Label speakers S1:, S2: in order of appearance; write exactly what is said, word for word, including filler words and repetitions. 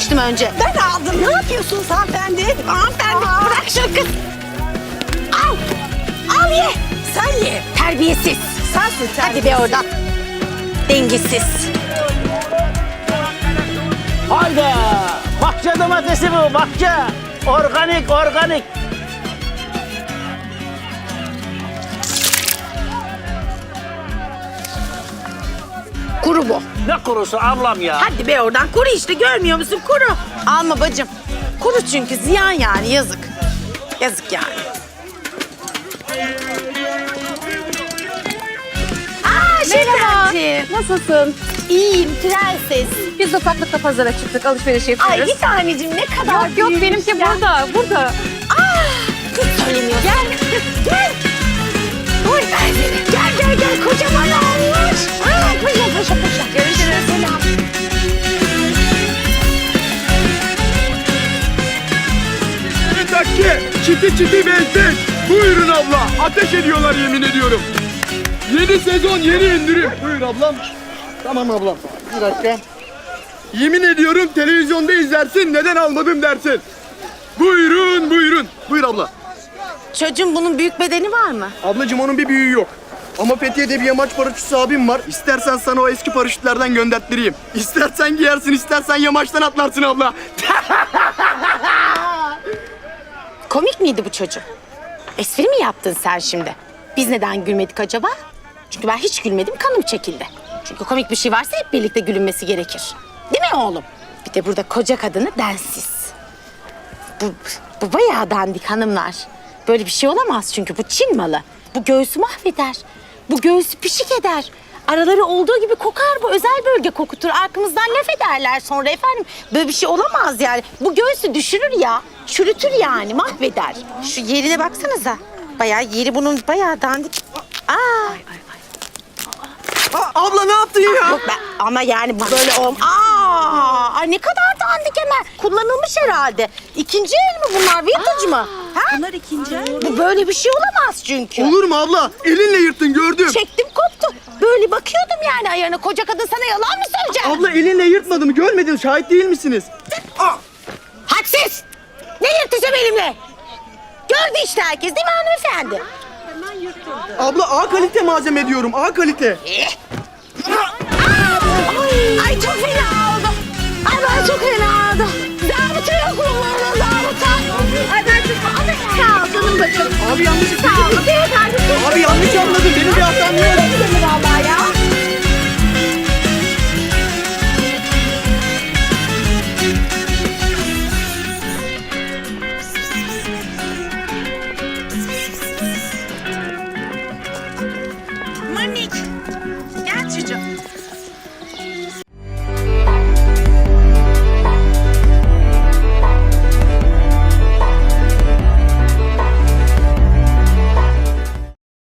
S1: demiştim önce.
S2: Ben aldım. Ne yapıyorsunuz hanımefendi? Hanımefendi
S1: Aa.
S2: bırak şunu kız. Al. Al ye. Sen ye.
S1: Terbiyesiz.
S2: Sensin sen.
S1: Hadi be oradan. Dengesiz.
S3: Hayda! Bahçe domatesi bu, bahçe. Organik, organik.
S1: Kuru bu.
S3: Ne kurusu ablam ya?
S2: Hadi be oradan. Kuru işte görmüyor musun? Kuru.
S1: Alma bacım. Kuru çünkü ziyan yani yazık. Yazık yani.
S2: Aa şekerciğim.
S4: Nasılsın?
S2: İyiyim prenses.
S4: Biz de ufaklıkla pazara çıktık, alışveriş yapıyoruz.
S2: Ay bir tanecim ne kadar
S4: Yok yok
S2: büyümüş
S4: benimki
S2: ya.
S4: burada, burada.
S2: Hiç söylemiyorsun. Gel. Gel. Oy ben seni. Gel gel gel. Kocaman olmuş. Aa, paşa paşa paşa. Görüşürüz. Selam.
S5: Bir dakika, çiti çiti benzin. Buyurun abla, ateş ediyorlar yemin ediyorum. Yeni sezon, yeni indirim. Buyur ablam. Tamam ablam, bir dakika. Yemin ediyorum televizyonda izlersin, neden almadım dersin. Buyurun, buyurun. Buyur abla.
S1: Çocuğum bunun büyük bedeni var mı?
S5: Ablacığım onun bir büyüğü yok. Ama Fethiye'de bir yamaç paraşütçüsü abim var. İstersen sana o eski paraşütlerden gönderttireyim. İstersen giyersin, istersen yamaçtan atlarsın abla.
S1: Komik miydi bu çocuk? Espri mi yaptın sen şimdi? Biz neden gülmedik acaba? Çünkü ben hiç gülmedim, kanım çekildi. Çünkü komik bir şey varsa hep birlikte gülünmesi gerekir. Değil mi oğlum? Bir de burada koca kadını densiz. Bu, bu bayağı dandik hanımlar. Böyle bir şey olamaz çünkü bu Çin malı. Bu göğsü mahveder. Bu göğsü pişik eder. Araları olduğu gibi kokar bu. Özel bölge kokutur. Arkamızdan laf ederler sonra efendim. Böyle bir şey olamaz yani. Bu göğsü düşürür ya. Çürütür yani, mahveder. Şu yerine baksanıza. Bayağı yeri bunun bayağı dandik. Aa.
S5: Abla ne yaptın ya?
S1: Yok ben, ama yani bu böyle olm. Aa, ay ne kadar dandik hemen. Kullanılmış herhalde. İkinci el mi bunlar? Vintage mı? Ha?
S2: Bunlar ikinci el.
S1: Bu böyle bir şey olamaz çünkü.
S5: Olur mu abla? Elinle yırttın gördüm.
S1: Çektim koptu. Böyle bakıyordum yani ayağına. Koca kadın sana yalan mı söyleyecek?
S5: Abla elinle yırtmadı mı? Görmedin, şahit değil misiniz?
S1: Hadsiz! Ne yırtıcı benimle? Gördü işte herkes değil mi hanımefendi?
S5: Abla A kalite malzeme diyorum, A kalite.
S1: Ay, ay çok fena oldu. Ay ben çok fena oldu. Zabıta yok mu bana zabıta? Ay ben çok... Sağ ol canım bacım.
S5: Abi yanlış
S1: Sağ ol. Beyefendi.
S5: Abi yanlış anladın, benim bir hatam yok.
S1: Gidelim vallahi ya.
S2: Manik. Gel çocuğum.